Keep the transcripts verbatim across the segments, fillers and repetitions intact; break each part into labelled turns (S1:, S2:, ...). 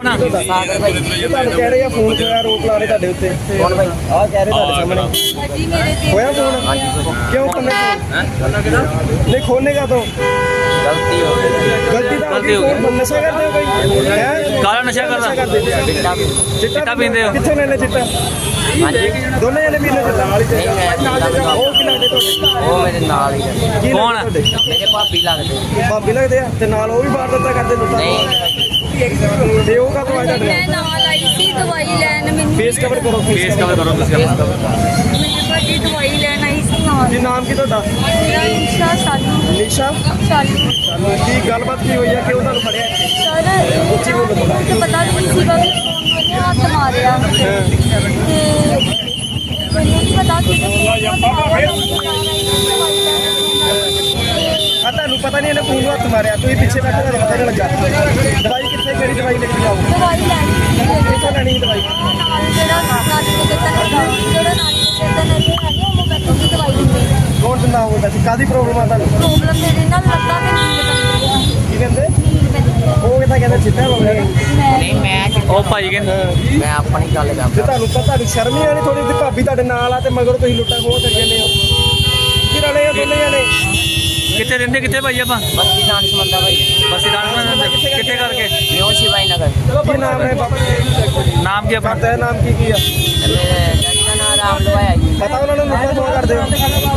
S1: ਸਾਗਰ ਭਾਈ
S2: ਤੁਹਾਨੂੰ ਕਹਿ ਰਹੇ ਆ ਫੋਨ ਹੋਇਆ ਆਰੋਪ ਲਾ ਰਹੇ ਤੁਹਾਡੇ ਉੱਤੇ
S1: ਕੌਣ ਭਾਈ?
S2: ਆਹ ਕਹਿ ਰਹੇ ਤੁਹਾਡੇ ਸਾਹਮਣੇ
S3: जी मेरे से
S2: ਹੋਇਆ ਫੋਨ ਕਿਉਂ ਕਰਨੇ ਨਹੀਂ ਖੋਲਨੇ ਕਾ ਤੋਂ
S1: ਗਲਤੀ ਹੋ ਗਈ।
S2: ਗਲਤੀ ਤਾਂ
S4: ਗਲਤੀ ਹੋ ਗਈ।
S2: ਫੋਨ ਨਸ਼ਾ ਕਰਦੇ ਹੋ ਕੋਈ ਹੈ
S4: ਕਾਲਾ ਨਸ਼ਾ ਕਰਦਾ
S1: ਚਿੱਟਾ ਵੀ-
S2: ਚਿੱਟਾ
S4: ਪੀਂਦੇ ਹੋ?
S2: ਕਿੱਥੇ ਲੈਣੇ ਚਿੱਟਾ
S1: ਹਾਂਜੀ
S2: ਦੋਨੇ ਜਣੇ ਪੀਂਦੇ ਚਿੱਟਾ
S1: ਨਹੀਂ ਮੈਂ ਚਿੱਟਾ ਵੀ ਖਾਂਦਾ।
S2: ਉਹ ਕੀ ਲੱਗਦੇ ਤੁਹਾਡੇ
S1: ਉਹ ਮੇਰੇ ਨਾਲ ਹੀ ਰਹਿੰਦੇ।
S2: ਕੀ
S4: ਕੌਣ?
S2: ਲੱਗਦੇ ਤੁਹਾਡੇ?
S1: ਮੇਰੇ ਭਾਬੀ ਲੱਗਦੇ।
S2: ਭਾਬੀ ਲੱਗਦੇ ਆ ਤੇ ਨਾਲ ਉਹ ਵੀ ਬਾਹਰ ਦਿੱਤਾ ਕਰਦੇ ਲੁੱਟਾ
S1: ਨਹੀਂ
S2: ਤੇ ਉਹ ਕਾ ਤੋਂ ਆ ਤੁਹਾਡੇ
S3: मैं नाल आई सी दवाई लैन मैनू
S2: ਫੇਸ ਕਵਰ ਕਰੋ
S4: ਫੇਸ ਕਵਰ ਕਰੋ ਤੁਸੀਂ ਆਪਣਾ।
S3: मेरे भाजी दवाई लैन आई सी नाल
S2: ਕੀ ਨਾਮ ਕੀ ਤੁਹਾਡਾ
S3: मेरा इंशा सालू
S2: ਨਿਸ਼ਾ
S3: सालू
S2: ਕੀ ਗੱਲਬਾਤ ਕੀ ਹੋਈ ਆ ਕਿ ਉਹ ਤੁਹਾਨੂੰ ਫੜਿਆ
S3: सर मुझे पता नहीं सीगा कि फोन मैंने हाथ मारिया ते मैंने नहीं पता कि
S2: ਆ ਤੁਹਾਨੂੰ ਪਤਾ ਨਹੀਂ ਇਹਨੇ ਫੋਨ ਨੂੰ ਹੱਥ ਮਾਰਿਆ ਤੁਸੀਂ ਪਿੱਛੇ ਬੈਠੇ ਤੁਹਾਨੂੰ ਪਤਾ ਨਹੀਂ ਲੱਗਾ ਦਵਾਈ ਕਿੱਥੇ ਕਿਹੜੀ ਦਵਾਈ ਲੈ ਕੇ ਆਓ
S3: दवाई लैनी
S2: ਕਿੱਥੋਂ ਲੈਣੀ ਸੀ ਦਵਾਈ
S3: नाल जेड़ा नाली के कितन लगा जेड़ा नाली के कितन है नहीं वो मैं की दवाई दिंदी
S2: ਕੌਣ ਦਿੰਦਾ ਹੋਊਗਾ ਸੀ ਕਾਦੀ ਪ੍ਰੋਬਲਮ ਆ ਤੁਹਾਨੂੰ
S3: प्रॉब्लम मेरे नाल लत्ता ते नींद बनदी है
S2: ਕੀ ਕਹਿੰਦੇ
S3: नींद बनदी
S2: ਉਹ ਕਿਤਾ ਕਹਿੰਦੇ ਚਿੱਟਾ ਹੋ ਗਿਆ
S1: ਨਹੀਂ ਮੈਂ ਚਿੱਟਾ-
S4: ਉਹ ਭਾਈ ਕਹਿੰਦੇ
S1: ਮੈਂ ਆਪਣੀ ਗੱਲ
S2: ਜੇ
S1: ਕਰਦਾ।
S2: ਤੁਹਾਨੂੰ ਪਤਾ ਤੁਹਾਨੂੰ ਸ਼ਰਮ ਨਹੀਂ ਆਣੀ ਥੋੜੀ ਜਿਹੀ ਭਾਬੀ ਤੁਹਾਡੇ ਨਾਲ ਆ ਤੇ ਮਗਰ ਤੁਸੀਂ ਲੁੱਟਾਂ ਖੋਹ ਕਰ ਜਾਂਦੇ ਹੋ ਕੀ ਰਲੇ ਆ ਦੋਨੇ ਜਣੇ
S4: ਕਿੱਥੇ ਰਹਿੰਦੇ ਕਿੱਥੇ ਭਾਈ ਆਪਾਂ
S1: ਬੱਤੀ ਜਾਣ ਸਮੰਦਾ ਭਾਈ
S4: ਬਸ ਇਦਾਂ ਕਿੱਥੇ ਕਰਕੇ
S1: ਨਿਓ ਸ਼ਿਵਾਈ ਨਗਰ।
S2: ਕੀ ਨਾਮ ਹੈ ਬਾਬਾ
S4: ਨਾਮ ਕੀ ਆਪਣਾ
S2: ਪਤਾ ਹੈ ਨਾਮ ਕੀ ਕੀ ਆ
S1: ਮੇਰੇ ਡੈਡੀ ਦਾ ਨਾਮ ਰਾਮ ਲਵਾਇਆ ਜੀ।
S2: ਪਤਾ ਉਹਨਾਂ ਨੂੰ ਲੁੱਟਾਂ ਖੋਹ ਕਰਦੇ ਹੋ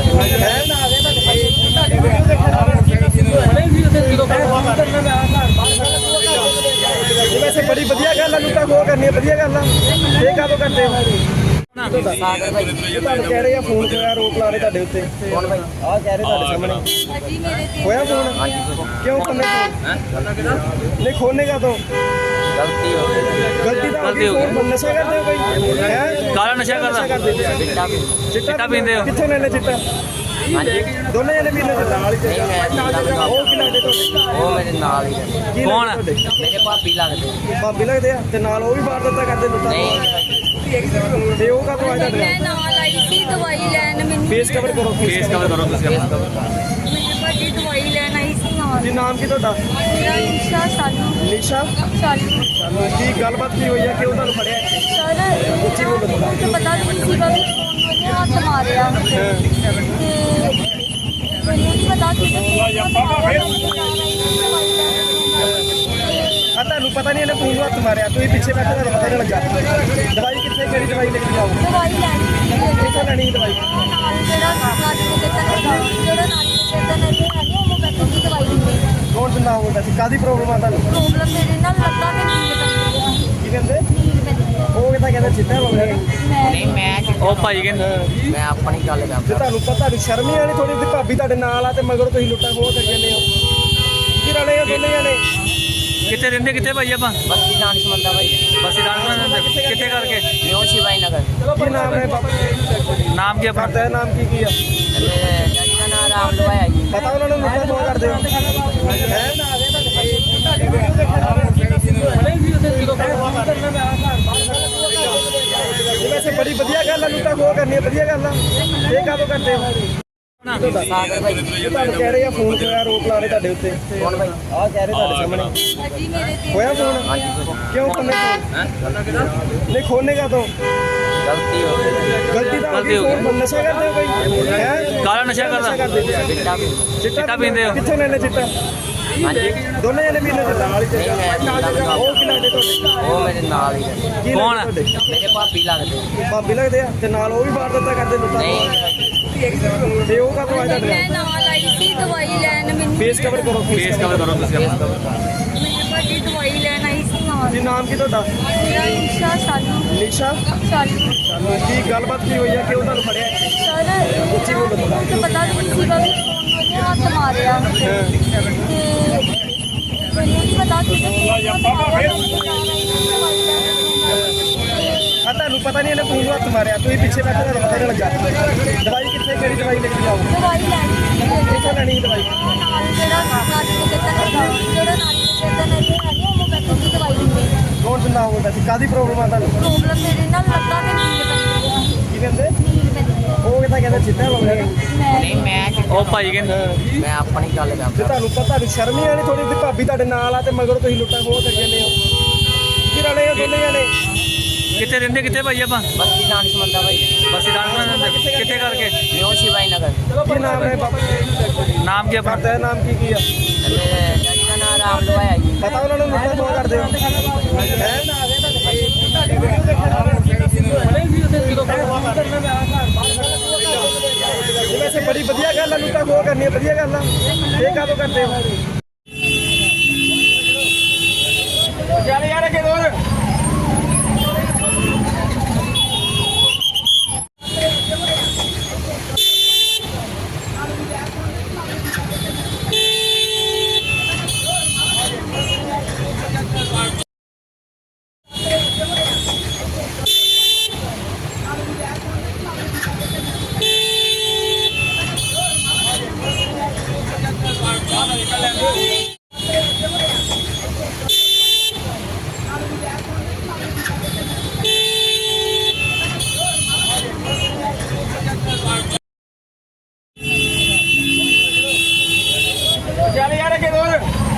S2: ਹੈ ਵੈਸੇ ਬੜੀ ਵਧੀਆ ਗੱਲ ਆ ਲੁੱਟਾਂ ਖੋਹ ਕਰਨੀ ਵਧੀਆ ਗੱਲ ਆ ਇਹ ਕਾਹਦੋਂ ਕਰਦੇ ਹੋ
S1: ਸਾਗਰ ਭਾਈ
S2: ਤੁਹਾਨੂੰ ਕਹਿ ਰਹੇ ਆ ਫੋਨ ਹੋਇਆ ਆਰੋਪ ਲਾ ਰਹੇ ਤੁਹਾਡੇ ਉੱਤੇ
S1: ਕੌਣ ਭਾਈ?
S2: ਆਹ ਕਹਿ ਰਹੇ ਤੁਹਾਡੇ ਸਾਹਮਣੇ
S3: जी मेरे से
S2: ਹੋਇਆ ਫੋਨ ਕਿਉਂ ਕਰਨੇ ਨਹੀਂ ਖੋਲਨੇ ਕਾ ਤੋਂ
S1: ਗਲਤੀ ਹੋ ਗਈ।
S2: ਗਲਤੀ ਤਾਂ
S4: ਗਲਤੀ ਹੋ ਗਈ।
S2: ਫੋਨ ਨਸ਼ਾ ਕਰਦੇ ਹੋ ਕੋਈ ਹੈ
S4: ਕਾਲਾ ਨਸ਼ਾ ਕਰਦਾ
S1: ਚਿੱਟਾ ਵੀ-
S4: ਚਿੱਟਾ ਪੀਂਦੇ ਹੋ?
S2: ਕਿੱਥੇ ਲੈਣੇ ਚਿੱਟਾ
S1: ਹਾਂਜੀ
S2: ਦੋਨੇ ਜਣੇ ਪੀਂਦੇ ਚਿੱਟਾ
S1: ਨਹੀਂ ਮੈਂ ਚਿੱਟਾ ਵੀ ਖਾਂਦਾ।
S2: ਉਹ ਕੀ ਲੱਗਦੇ ਤੁਹਾਡੇ
S1: ਉਹ ਮੇਰੇ ਨਾਲ ਹੀ ਰਹਿੰਦੇ।
S2: ਕੀ
S4: ਕੌਣ?
S2: ਲੱਗਦੇ ਤੁਹਾਡੇ?
S1: ਮੇਰੇ ਭਾਬੀ ਲੱਗਦੇ।
S2: ਭਾਬੀ ਲੱਗਦੇ ਆ ਤੇ ਨਾਲ ਉਹ ਵੀ ਬਾਹਰ ਦਿੱਤਾ ਕਰਦੇ ਲੁੱਟਾਂ
S1: ਨਹੀਂ
S2: ਤੇ ਉਹ ਕਾ ਤੋਂ ਆ ਤੁਹਾਡੇ
S3: मैं नाल आई सी दवाई लैन मैनू
S2: ਫੇਸ ਕਵਰ ਕਰੋ
S4: ਫੇਸ ਕਵਰ ਕਰੋ ਤੁਸੀਂ ਆਪਣਾ।
S3: मेरे भाजी दवाई लैन आई सी नाल
S2: ਕੀ ਨਾਮ ਕੀ ਤੁਹਾਡਾ
S3: मेरा इंशा सालू
S2: ਨਿਸ਼ਾ
S3: सालू
S2: ਕੀ ਗੱਲਬਾਤ ਕੀ ਹੋਈ ਆ ਕਿ ਉਹ ਤੁਹਾਨੂੰ ਫੜਿਆ
S3: सर मुझे पता नहीं सीगा कि फोन मैंने हाथ मारिया ते मैंने नहीं पता कि
S2: ਆ ਤੁਹਾਨੂੰ ਪਤਾ ਨਹੀਂ ਇਹਨੇ ਫੋਨ ਨੂੰ ਹੱਥ ਮਾਰਿਆ ਤੁਸੀਂ ਪਿੱਛੇ ਬੈਠੇ ਤੁਹਾਨੂੰ ਪਤਾ ਨਹੀਂ ਲੱਗਾ ਦਵਾਈ ਕਿੱਥੇ ਕਿਹੜੀ ਦਵਾਈ ਲੈ ਕੇ ਆਓ
S3: दवाई लैनी
S2: ਕਿੱਥੋਂ ਲੈਣੀ ਸੀ ਦਵਾਈ
S3: नाल जेड़ा नाली के कितन लगा जेड़ा नाली के कितन है नहीं वो मैं की दवाई दिंदी
S2: ਕੌਣ ਦਿੰਦਾ ਹੋਊਗਾ ਸੀ ਕਾਦੀ ਪ੍ਰੋਬਲਮ ਆ ਤੁਹਾਨੂੰ
S3: प्रॉब्लम मेरे नाल लत्ता ते नींद बनदी है
S2: ਕੀ ਕਹਿੰਦੇ
S3: नींद बनदी है
S2: ਉਹ ਕਿਤਾ ਕਹਿੰਦੇ ਚਿੱਟਾ ਹੋ ਗਿਆ
S1: ਨਹੀਂ ਮੈਂ ਚਿੱਟਾ-
S4: ਉਹ ਭਾਈ ਕਹਿੰਦੇ
S1: ਮੈਂ ਆਪਣੀ ਗੱਲ
S2: ਜੇ
S1: ਕਰਦਾ।
S2: ਤੁਹਾਨੂੰ ਪਤਾ ਤੁਹਾਨੂੰ ਸ਼ਰਮ ਨਹੀਂ ਆਣੀ ਥੋੜੀ ਜਿਹੀ ਭਾਬੀ ਤੁਹਾਡੇ ਨਾਲ ਆ ਤੇ ਮਗਰ ਤੁਸੀਂ ਲੁੱਟਾਂ ਖੋਹ ਕਰ ਜਾਂਦੇ ਹੋ ਕੀ ਰਲੇ ਆ ਦੋਨੇ ਜਣੇ
S4: ਕਿੱਥੇ ਰਹਿੰਦੇ ਕਿੱਥੇ ਭਾਈ ਆਪਾਂ
S1: ਬੱਤੀ ਜਾਣ ਸਮੰਦਾ ਭਾਈ
S4: ਬਸ ਇਦਾਂ ਕਿੱਥੇ ਕਰਕੇ
S1: ਨਿਓ ਸ਼ਿਵਾਈ ਨਗਰ।
S2: ਕੀ ਨਾਮ ਹੈ ਬਾਬਾ
S4: ਨਾਮ ਕੀ ਆਪਣਾ
S2: ਪਤਾ ਹੈ ਨਾਮ ਕੀ ਕੀ ਆ
S1: ਮੇਰੇ ਡੈਡੀ ਦਾ ਨਾਮ ਰਾਮ ਲਵਾਇਆ ਜੀ।
S2: ਪਤਾ ਉਹਨਾਂ ਨੂੰ ਲੁੱਟਾਂ ਖੋਹ ਕਰਦੇ ਹੋ ਹੈ ਵੈਸੇ ਬੜੀ ਵਧੀਆ ਗੱਲ ਆ ਲੁੱਟਾਂ ਖੋਹ ਕਰਨੀ ਵਧੀਆ ਗੱਲ ਆ ਇਹ ਕਾਹਦੋਂ ਕਰਦੇ ਹੋ
S1: ਸਾਗਰ ਭਾਈ
S2: ਤੁਹਾਨੂੰ ਕਹਿ ਰਹੇ ਆ ਫੋਨ ਹੋਇਆ ਆਰੋਪ ਲਾ ਰਹੇ ਤੁਹਾਡੇ ਉੱਤੇ
S1: ਕੌਣ ਭਾਈ?
S2: ਆਹ ਕਹਿ ਰਹੇ ਤੁਹਾਡੇ ਸਾਹਮਣੇ
S3: जी मेरे से
S2: ਹੋਇਆ ਫੋਨ ਕਿਉਂ ਕਰਨੇ ਨਹੀਂ ਖੋਲਨੇ ਕਾ ਤੋਂ
S1: ਗਲਤੀ ਹੋ ਗਈ।
S2: ਗਲਤੀ ਤਾਂ
S4: ਗਲਤੀ ਹੋ ਗਈ।
S2: ਫੋਨ ਨਸ਼ਾ ਕਰਦੇ ਹੋ ਕੋਈ ਹੈ
S4: ਕਾਲਾ ਨਸ਼ਾ ਕਰਦਾ
S1: ਚਿੱਟਾ ਵੀ-
S4: ਚਿੱਟਾ ਪੀਂਦੇ ਹੋ?
S2: ਕਿੱਥੇ ਲੈਣੇ ਚਿੱਟਾ
S1: ਹਾਂਜੀ
S2: ਦੋਨੇ ਜਣੇ ਪੀਂਦੇ ਚਿੱਟਾ
S1: ਨਹੀਂ ਮੈਂ ਚਿੱਟਾ ਵੀ ਖਾਂਦਾ।
S2: ਉਹ ਕੀ ਲੱਗਦੇ ਤੁਹਾਡੇ
S1: ਉਹ ਮੇਰੇ ਨਾਲ ਹੀ ਰਹਿੰਦੇ।
S2: ਕੀ
S4: ਕੌਣ?
S2: ਲੱਗਦੇ ਤੁਹਾਡੇ?
S1: ਮੇਰੇ ਭਾਬੀ ਲੱਗਦੇ।
S2: ਭਾਬੀ ਲੱਗਦੇ ਆ ਤੇ ਨਾਲ ਉਹ ਵੀ ਬਾਹਰ ਦਿੱਤਾ ਕਰਦੇ ਲੁੱਟਾਂ
S1: ਨਹੀਂ
S2: ਤੇ ਉਹ ਕਾ ਤੋਂ ਆ ਤੁਹਾਡੇ
S3: मैं नाल आई सी दवाई लैन मैनू
S2: ਫੇਸ ਕਵਰ ਕਰੋ
S4: ਫੇਸ ਕਵਰ ਕਰੋ ਤੁਸੀਂ ਆਪਣਾ।
S3: मेरे भाजी दवाई लैन आई सी नाल
S2: ਕੀ ਨਾਮ ਕੀ ਤੁਹਾਡਾ
S3: मेरा इंशा सालू
S2: ਨਿਸ਼ਾ
S3: सालू
S2: ਕੀ ਗੱਲਬਾਤ ਕੀ ਹੋਈ ਆ ਕਿ ਉਹ ਤੁਹਾਨੂੰ ਫੜਿਆ
S3: सर मुझे पता नहीं सीगा कि फोन मैंने हाथ मारिया ते मैंने नहीं पता कि
S2: ਆ ਤੁਹਾਨੂੰ ਪਤਾ ਨਹੀਂ ਇਹਨੇ ਫੋਨ ਨੂੰ ਹੱਥ ਮਾਰਿਆ ਤੁਸੀਂ ਪਿੱਛੇ ਬੈਠੇ ਤੁਹਾਨੂੰ ਪਤਾ ਨਹੀਂ ਲੱਗਾ ਦਵਾਈ ਕਿੱਥੇ ਕਿਹੜੀ ਦਵਾਈ ਲੈ ਕੇ ਆਓ
S3: दवाई लैनी
S2: ਕਿੱਥੋਂ ਲੈਣੀ ਸੀ ਦਵਾਈ
S3: नाल जेड़ा नाली के कितन लगा जेड़ा नाली के कितन है नहीं वो मैं की दवाई दिंदी
S2: ਕੌਣ ਦਿੰਦਾ ਹੋਊਗਾ ਸੀ ਕਾਦੀ ਪ੍ਰੋਬਲਮ ਆ ਤੁਹਾਨੂੰ
S3: प्रॉब्लम मेरे नाल लत्ता ते नींद बनदी है
S2: ਕੀ ਕਹਿੰਦੇ
S3: नींद बनदी है
S2: ਉਹ ਕਿਤਾ ਕਹਿੰਦੇ ਚਿੱਟਾ ਹੋ ਗਿਆ
S1: ਨਹੀਂ ਮੈਂ ਚਿੱਟਾ-
S4: ਉਹ ਭਾਈ ਕਹਿੰਦੇ
S1: ਮੈਂ ਆਪਣੀ ਗੱਲ
S2: ਜੇ
S1: ਕਰਦਾ।
S2: ਤੁਹਾਨੂੰ ਪਤਾ ਤੁਹਾਨੂੰ ਸ਼ਰਮ ਨਹੀਂ ਆਣੀ ਥੋੜੀ ਜਿਹੀ ਭਾਬੀ ਤੁਹਾਡੇ ਨਾਲ ਆ ਤੇ ਮਗਰ ਤੁਸੀਂ ਲੁੱਟਾਂ ਖੋਹ ਕਰ ਜਾਂਦੇ ਹੋ ਕੀ
S4: ਕਿੱਥੇ ਰਹਿੰਦੇ ਕਿੱਥੇ ਭਾਈ ਆਪਾਂ
S1: ਬਸਤੀ ਦਾਨਿਸ਼ ਮੰਦਾ ਭਾਈ
S4: ਬਸੀ ਦਾਨਿਸ਼ ਰਹਿੰਦੇ ਕਿੱਥੇ ਕਰਕੇ
S1: ਨਿਊ ਸ਼ਿਵਾਈ ਨਗਰ
S2: ਕੀ ਨਾਮ ਹੈ ਬਾਪੂ ਜੀ?
S4: ਨਾਮ ਕੀ ਆਪਣਾ
S2: ਤੇਰਾ ਨਾਮ ਕੀ ਕੀ ਆ?
S1: ਮੇਰੇ ਡੈਡੀ ਦਾ ਨਾਮ ਰਾਮ ਲਵਾਇਆ ਜੀ
S2: ਪਤਾ ਉਹਨਾਂ ਨੂੰ ਲੁੱਟਾਂ ਖੋਹ ਕਰਦੇ ਹੋ ਇਹ ਵੈਸੇ ਬੜੀ ਵਧੀਆ ਗੱਲ ਆ, ਲੁੱਟਾਂ ਖੋਹ ਕਰਨੀ ਵਧੀਆ ਗੱਲ ਆ। ਇਹ ਕਾਹਦੋਂ ਕਰਦੇ ਹੋ? ਚੱਲ ਯਾਰ ਅੱਗੇ ਹੋਰ ਚੱਲ ਯਾਰ ਅੱਗੇ ਹੋਰ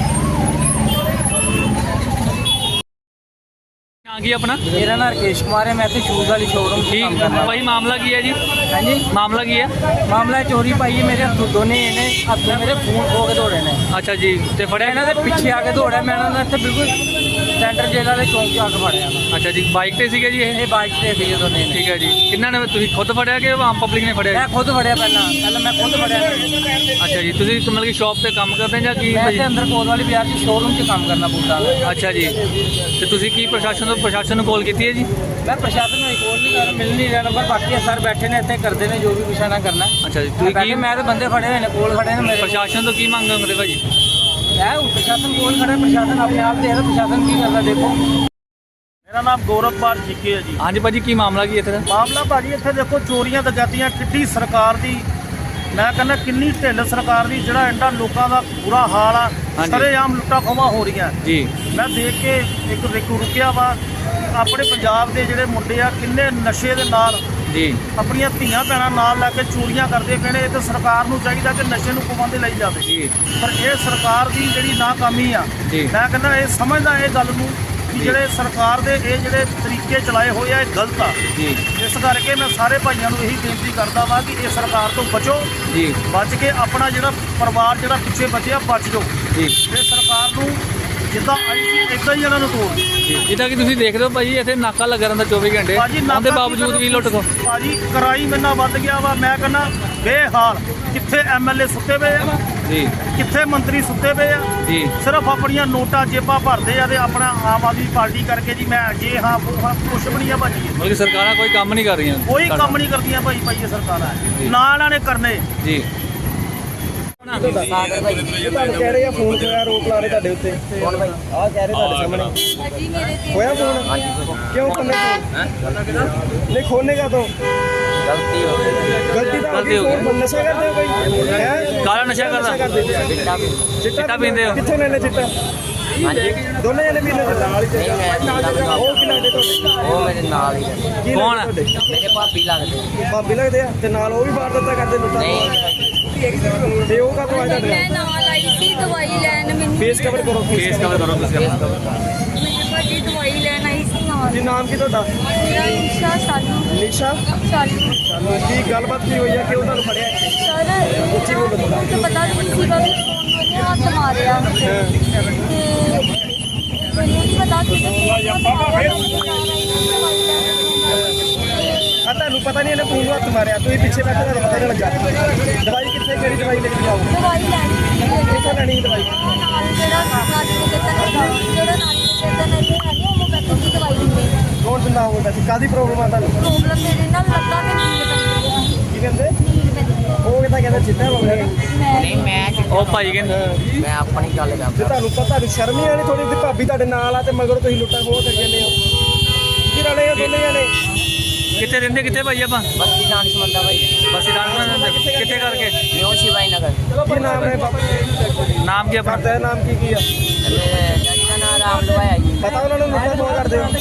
S4: ਨਾਂ ਕੀ ਆਪਣਾ
S1: ਮੇਰਾ ਨਾਮ ਰਕੇਸ਼ ਕੁਮਾਰ ਹੈ ਮੈਂ ਇੱਥੇ ਸ਼ੂਜ਼ ਵਾਲੀ ਸ਼ੋਰੂਮ 'ਚ
S4: ਕੀ
S1: ਕੰਮ ਕਰਦਾ
S4: ਭਾਈ ਮਾਮਲਾ ਕੀ ਹੈ ਜੀ
S1: ਹਾਂਜੀ
S4: ਮਾਮਲਾ ਕੀ ਹੈ
S1: ਮਾਮਲਾ ਚੋਰੀ ਭਾਈ ਮੇਰੇ ਹੱਥੋਂ ਦੋਨੇ ਇਹਨੇ ਹੱਥੋਂ ਮੇਰੇ ਫੋਨ ਖੋ ਕੇ ਦੌੜੇ ਨੇ
S4: ਅੱਛਾ ਜੀ ਤੇ ਫੜਿਆ
S1: ਇਹਨਾਂ ਦੇ ਪਿੱਛੇ ਆ ਕੇ ਦੌੜਿਆ ਮੈਂ ਇਹਨਾਂ ਨੂੰ ਇੱਥੇ ਬਿਲਕੁਲ ਸੈਂਟਰ ਜੇਲ੍ਹ ਵਾਲੇ ਚੌਂਕ 'ਚ ਆ ਕੇ ਫੜਿਆ ਮੈਂ
S4: ਅੱਛਾ ਜੀ ਬਾਈਕ ਤੇ ਸੀਗੇ ਜੀ ਇਹ
S1: ਇਹ ਬਾਈਕ ਤੇ ਸੀਗੇ ਦੋਨੇ ਨੇ
S4: ਠੀਕ ਹੈ ਜੀ ਕਿੰਨਾਂ ਨੇ ਤੁਸੀਂ ਖੁਦ ਫੜਿਆ ਕਿ ਆਮ ਪਬਲਿਕ ਨੇ ਫੜਿਆ
S1: ਮੈਂ ਖੁਦ ਫੜਿਆ ਪਹਿਲਾਂ ਪਹਿਲਾਂ ਮੈਂ ਖੁਦ ਫੜਿਆ ਇਹਨਾਂ ਨੂੰ।
S4: ਅੱਛਾ ਜੀ ਤੁਸੀਂ ਮਤਲਬ ਕਿ ਸ਼ਾਪ ਤੇ ਕੰਮ ਕਰਦੇ ਜਾਂ ਕੀ
S1: ਮੈਂ
S4: ਭਾਜੀ
S1: ਇੱਥੇ ਅੰਦਰ ਕੋਲ ਵਾਲੀ ਬਾਜ਼ਾਰ 'ਚ ਸ਼ੋਰੂਮ 'ਚ ਕੰਮ ਕਰਨਾ ਬੂਟਾਂ ਦਾ
S4: ਅੱਛਾ ਜੀ ਤੇ ਤੁਸੀਂ ਕੀ ਪ੍ਰਸ਼ਾਸਨ ਤੋਂ ਪ੍ਰਸ਼ਾਸਨ ਨੂੰ ਕਾਲ ਕੀਤੀ ਹੈ ਜੀ
S1: ਮੈਂ ਪ੍ਰਸ਼ਾਸਨ ਨੂੰ ਕੋਲ ਨਹੀਂ ਕਰ ਮਿਲ ਨਹੀਂ ਰਿਹਾ ਨੰਬਰ ਬਾਕੀ ਸਰ ਬੈਠੇ ਨੇ ਇੱਥੇ ਕਰਦੇ ਨੇ ਜੋ ਵੀ ਕੁਛ ਨਾ ਕਰਨਾ
S4: ਅੱਛਾ ਜੀ
S1: ਮੈਂ
S4: ਤੁਸੀਂ
S1: ਬੈਠੇ
S4: ਕੀ
S1: ਮੈਂ ਤਾਂ ਬੰਦੇ ਫੜੇ ਹੋਏ ਨੇ ਕੋਲ ਖੜੇ ਨੇ ਮੇਰੇ
S4: ਪ੍ਰਸ਼ਾਸਨ ਤੋਂ ਕੀ ਮੰਗ ਕਰਦੇ ਭਾਜੀ
S1: ਹੈ ਉਹ ਪ੍ਰਸ਼ਾਸਨ ਕੋਲ ਖੜਾ ਪ੍ਰਸ਼ਾਸਨ ਆਪਣੇ ਆਪ ਦੇਖਦਾ ਪ੍ਰਸ਼ਾਸਨ ਕੀ ਕਰਦਾ ਦੇਖੋ
S2: ਮੇਰਾ ਨਾਮ ਗੌਰਵਪਾਲ ਜੀਕੇ ਹੈ ਜੀ।
S4: ਹਾਂਜੀ ਭਾਜੀ ਕੀ ਮਾਮਲਾ ਕੀ ਇੱਥੇ ਦਾ
S2: ਮਾਮਲਾ ਭਾਜੀ ਇੱਥੇ ਦੇਖੋ ਚੋਰੀਆਂ ਦਗਾਤੀਆਂ ਕਿੱਡੀ ਸਰਕਾਰ ਦੀ ਮੈਂ ਕਹਿੰਦਾ ਕਿੰਨੀ ਢਿੱਲ ਸਰਕਾਰ ਦੀ ਜਿਹੜਾ ਇੰਨਾ ਲੋਕਾਂ ਦਾ ਬੁਰਾ ਹਾਲ ਆ
S4: ਹਾਂਜੀ।
S2: ਸਰੇਆਮ ਲੁੱਟਾਂ ਖੋਹਾਂ ਹੋ ਰਹੀਆਂ
S4: ਜੀ
S2: ਮੈਂ ਦੇਖ ਕੇ ਇੱਕ ਰਿਕੂ ਰੁਕਿਆ ਵਾ ਆਪਣੇ ਪੰਜਾਬ ਦੇ ਜਿਹੜੇ ਮੁੰਡੇ ਆ ਕਿੰਨੇ ਨਸ਼ੇ ਦੇ ਨਾਲ
S4: ਜੀ
S2: ਆਪਣੀਆਂ ਧੀਆਂ ਭੈਣਾਂ ਨਾਲ ਲੈ ਕੇ ਚੋਰੀਆਂ ਕਰਦੇ ਪਏ ਨੇ। ਇਹ ਤਾਂ ਸਰਕਾਰ ਨੂੰ ਚਾਹੀਦਾ ਕਿ ਨਸ਼ੇ ਨੂੰ ਪਾਬੰਦੀ ਲਈ ਜਾਵੇ
S4: ਜੀ
S2: ਪਰ ਇਹ ਸਰਕਾਰ ਦੀ ਜਿਹੜੀ ਨਾਕਾਮੀ ਆ
S4: ਜੀ।
S2: ਮੈਂ ਕਹਿੰਦਾ ਇਹ ਸਮਝਦਾ ਇਹ ਗੱਲ ਨੂੰ ਕਿ ਜਿਹੜੇ ਸਰਕਾਰ ਦੇ ਇਹ ਜਿਹੜੇ ਤਰੀਕੇ ਚਲਾਏ ਹੋਏ ਆ ਇਹ ਗਲਤ ਆ
S4: ਜੀ
S2: ਇਸ ਕਰਕੇ ਮੈਂ ਸਾਰੇ ਭਾਈਆਂ ਨੂੰ ਇਹੀ ਬੇਨਤੀ ਕਰਦਾ ਵਾਂ ਕਿ ਇਹ ਸਰਕਾਰ ਤੋਂ ਬਚੋ
S4: ਜੀ
S2: ਬਚ ਕੇ ਆਪਣਾ ਜਿਹੜਾ ਪਰਿਵਾਰ ਜਿਹੜਾ ਪਿੱਛੇ ਬਚਿਆ ਬਚ ਜਾਓ
S4: ਜੀ
S2: ਇਹ ਸਰਕਾਰ ਨੂੰ ਜਿੱਦਾਂ ਆਈ ਸੀ ਇਦਾਂ ਹੀ ਇਹਨਾਂ ਨੂੰ ਤੋੜ
S4: ਜਿੱਦਾਂ ਕਿ ਤੁਸੀਂ ਦੇਖਦੇ ਹੋ ਭਾਜੀ ਇੱਥੇ ਨਾਕਾ ਲੱਗਾ ਰਹਿੰਦਾ ਚੌਵੀ ਘੰਟੇ
S2: ਭਾਜੀ ਨਾਕਾ
S4: ਉਹਦੇ
S2: ਕੀ
S4: ਬਾਵਜੂਦ
S2: ਕਰੋ?
S4: ਵੀ ਲੁੱਟ ਕੋ
S2: ਭਾਜੀ ਕਰਾਈ ਮੈਨਾਂ ਵੱਧ ਗਿਆ ਵਾ ਮੈਂ ਕਹਿੰਦਾ ਬੇਹਾਲ ਕਿੱਥੇ ਐਮਐਲਏ ਸੁੱਤੇ ਪਏ ਆ
S4: ਜੀ
S2: ਕਿੱਥੇ ਮੰਤਰੀ ਸੁੱਤੇ ਪਏ ਆ
S4: ਜੀ
S2: ਸਿਰਫ ਆਪਣੀਆਂ ਨੋਟਾਂ ਜੇਬਾਂ ਭਰਦੇ ਆ ਤੇ ਆਪਣਾ ਆਮ ਆਦਮੀ ਪਾਰਟੀ ਕਰਕੇ ਜੀ ਮੈਂ ਜੇ ਹਾਂ ਉਹ ਹਾਂ ਕੁਛ ਵੀ ਨਹੀਂ ਆ ਭਾਜੀ
S4: ਮਤਲਬ ਕਿ ਸਰਕਾਰਾਂ ਕੋਈ ਕੰਮ ਨਹੀਂ ਕਰ ਰਹੀਆਂ
S2: ਕੋਈ ਕੰਮ ਨਹੀਂ ਕਰਦੀਆਂ ਭਾਈ ਭਾਈ ਇਹ ਸਰਕਾਰਾਂ ਨਾ ਇਹਨਾਂ ਨੇ ਕਰਨੇ
S4: ਜੀ
S1: ਸਾਗਰ ਭਾਈ
S2: ਤੁਹਾਨੂੰ ਕਹਿ ਰਹੇ ਆ ਫੋਨ ਹੋਇਆ ਰੋਕ ਲਾ ਰਹੇ ਤੁਹਾਡੇ ਉੱਤੇ
S1: ਕੌਣ ਭਾਈ
S2: ਆਹ ਕਹਿ ਰਹੇ ਤੁਹਾਡੇ ਸਾਹਮਣੇ
S3: ਅਜੀ ਮੇਰੇ ਤੇ
S2: ਹੋਇਆ ਫੋਨ ਕਿਉਂ ਕਰਨੇ ਨਹੀਂ ਖੋਲਨੇ ਕਾ ਤੋਂ
S1: ਗਲਤੀ ਹੋ ਗਈ
S2: ਗਲਤੀ ਤਾਂ
S4: ਗਲਤੀ ਹੋ ਗਈ।
S2: ਫੋਨ ਨਸ਼ਾ ਕਰਦੇ ਹੋ ਭਾਈ ਹੈ
S4: ਕਾਲਾ ਨਸ਼ਾ ਕਰਦਾ
S1: ਚਿੱਟਾ ਵੀ
S4: ਚਿੱਟਾ ਪੀਂਦੇ ਹੋ?
S2: ਕਿੱਥੋਂ ਲੈਣੇ ਚਿੱਟਾ
S1: ਹਾਂਜੀ
S2: ਦੋਨੇ ਜਣੇ ਪੀਂਦੇ ਚਿੱਟਾ
S1: ਨਹੀਂ ਮੈਂ ਚਿੱਟਾ ਵੀ
S2: ਉਹ ਕੀ ਲੱਗਦੇ ਤੁਹਾਡੇ
S1: ਉਹ ਮੇਰੇ ਨਾਲ ਹੀ ਰਹਿੰਦੇ।
S2: ਕੀ
S4: ਕੌਣ
S2: ਲੱਗਦੇ
S4: ਆ?
S2: ਤੁਹਾਡੇ?
S1: ਮੇਰੇ ਭਾਬੀ ਲੱਗਦੇ
S2: ਭਾਬੀ ਲੱਗਦੇ ਆ ਤੇ ਨਾਲ ਉਹ ਵੀ ਬਾਹਰ ਦਿੱਤਾ ਕਰਦੇ ਲੁੱਟਾਂ
S1: ਨਹੀਂ
S2: ਤੇ ਉਹ ਕਾ ਤੋਂ ਆ ਤੁਹਾਡੇ
S3: ਮੈਂ ਨਾਲ ਆਈ ਸੀ ਦਵਾਈ ਲੈਣ ਮੈਨੂੰ
S2: ਫੇਸ ਕਵਰ ਕਰੋ
S4: ਫੇਸ ਕਵਰ ਕਰੋ ਤੁਸੀਂ ਆਪਣਾ
S3: ਮੇਰੇ ਭਾਜੀ ਦਵਾਈ ਲੈਣ ਆਈ ਸੀ ਨਾਲ
S2: ਜੀ ਨਾਮ ਕੀ ਤੁਹਾਡਾ
S3: ਮੇਰਾ ਨਿਸ਼ਾ ਸਾਲੂ
S2: ਨਿਸ਼ਾ
S3: ਸਾਲੂ
S2: ਸਾਨੂੰ ਕੀ ਗੱਲਬਾਤ ਕੀ ਹੋਈ ਆ ਕਿਉਂ ਤੁਹਾਨੂੰ ਫੜਿਆ
S3: ਸਰ ਉੱਚੀ ਬੋਲੋ ਤਾਂ ਪਤਾ ਨਹੀਂ ਸੀਗਾ ਵੀ ਫੋਨ ਵਾਲੇ ਹੱਥ ਮਾਰਿਆ ਤੇ ਮੈਨੂੰ ਨਹੀਂ ਪਤਾ ਕਿ
S2: ਆ ਤੁਹਾਨੂੰ ਪਤਾ ਨਹੀਂ ਇਹਨੇ ਫੋਨ ਹੱਥ ਮਾਰਿਆ ਤੁਸੀਂ ਪਿੱਛੇ ਬੈਠੇ ਤੁਹਾਨੂੰ ਪਤਾ ਨਹੀਂ ਲੱਗਾ ਦਵਾਈ ਕਿੱਥੇ ਕਿਹੜੀ ਦਵਾਈ ਲੈ ਕੇ ਜਾਓ
S3: ਦਵਾਈ ਲੈਣੀ ਸੀ
S2: ਕਿੱਥੋਂ ਲੈਣੀ ਦਵਾਈ
S3: ਨਾਲ ਜਿਹੜਾ ਨਾਲੀ ਦੇ ਕਿਤੇ ਲੱਗਾ ਜਿਹੜਾ ਨਾਲੀ ਦੇ ਕਿਤੇ ਨਹੀਂ ਹੈਗੇ ਉਹ ਮੈਂ ਦੀ ਦਵਾਈ ਦਿੰਦੇ
S2: ਕੌਣ ਦਿੰਦਾ ਹੋਊਗਾ ਜੀ ਕਾਦੀ ਪ੍ਰੋਬਲਮ ਆ ਤੁਹਾਨੂੰ
S3: ਪ੍ਰੋਬਲਮ ਮੇਰੇ ਨਾਲ ਲੱਗਾ ਤੇ ਨੀਂਦ ਪੈਂਦੀ ਹੈ
S2: ਕੀ ਕਹਿੰਦੇ
S3: ਨੀਂਦ ਪੈਂਦੀ ਹੈ
S2: ਉਹ ਕਿਤਾ ਕਹਿੰਦਾ ਚਿੱਟਾ ਹੋ ਗਿਆ
S3: ਮੈਂ
S1: ਨਹੀਂ ਮੈਂ ਚਿੱਟਾ
S4: ਉਹ ਭਾਈ ਕਹਿੰਦੇ
S1: ਮੈਂ ਆਪਣੀ ਗੱਲ
S2: ਜੇ
S1: ਕਰਦਾ
S2: ਤੁਹਾਨੂੰ ਪਤਾ ਤੁਹਾਨੂੰ ਸ਼ਰਮ ਨਹੀਂ ਆਣੀ ਥੋੜੀ ਜਿਹੀ ਭਾਬੀ ਤੁਹਾਡੇ ਨਾਲ ਆ ਤੇ ਮਗਰ ਤੁਸੀਂ ਲੁੱਟਾਂ ਖੋਹ ਕਰੀ ਜਾਂਦੇ ਹੋ ਕੀ ਰਲੇ ਆ ਦੋਨੇ ਜਣੇ
S4: ਕਿੱਥੇ ਰਹਿੰਦੇ ਕਿੱਥੇ ਭਾਈ ਆਪਾਂ
S1: ਬਸਤੀ ਦਾਨਿਸ਼ ਮੰਦਾ ਭਾਈ
S4: ਬਸੀ ਦਾਨਿਸ਼ ਰਹਿੰਦੇ ਕਿੱਥੇ ਕਰਕੇ
S1: ਨਿਊ ਸ਼ਿਵਾਈ ਨਗਰ
S2: ਕੀ ਨਾਮ ਹੈ ਬਾਪੂ ਜੀ?
S4: ਨਾਮ ਕੀ ਆਪਣਾ
S2: ਤੇਰਾ ਨਾਮ ਕੀ ਕੀ ਆ?
S1: ਮੇਰੇ ਡੈਡੀ ਦਾ ਨਾਮ ਰਾਮ ਲਵਾਇਆ ਜੀ
S2: ਪਤਾ ਉਹਨਾਂ ਨੂੰ ਲੁੱਟਾਂ ਖੋਹ ਕਰਦੇ ਹੋ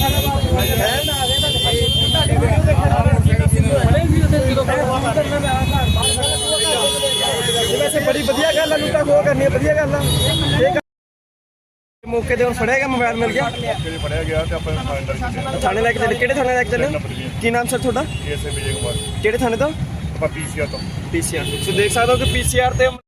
S2: ਇਹ ਵੈਸੇ ਬੜੀ ਵਧੀਆ ਗੱਲ ਆ ਲੁੱਟਾਂ ਖੋਹ ਕਰਨੀ ਵਧੀਆ ਗੱਲ ਆ ਇਹ
S5: ਮੌਕੇ ਤੇ ਹੁਣ ਫੜਿਆ ਗਿਆ, ਮੋਬਾਈਲ ਮਿਲ ਗਿਆ,
S6: ਮੌਕੇ ਫੜਿਆ ਗਿਆ ਤੇ ਆਪਾਂ ਥਾਣੇ ਲੈ ਕੇ ਚੱਲੇ।
S5: ਥਾਣੇ ਲੈ ਕੇ ਚੱਲੇ। ਕਿਹੜੇ ਥਾਣੇ ਲੈ ਕੇ ਚੱਲੇ? ਕੀ ਨਾਮ ਸਰ ਤੁਹਾਡਾ?
S6: ਏਐਸਏ ਵਿਜੇ ਕੁਮਾਰ
S5: ਕਿਹੜੇ ਥਾਣੇ ਤੋਂ?
S6: ਆਪਾਂ ਪੀਸੀਆਰ ਤੋਂ।
S5: ਪੀਸੀਆਰ। ਸੋ ਦੇਖ ਸਕਦੇ ਹੋ ਕਿ ਪੀਸੀਆਰ ਤੇ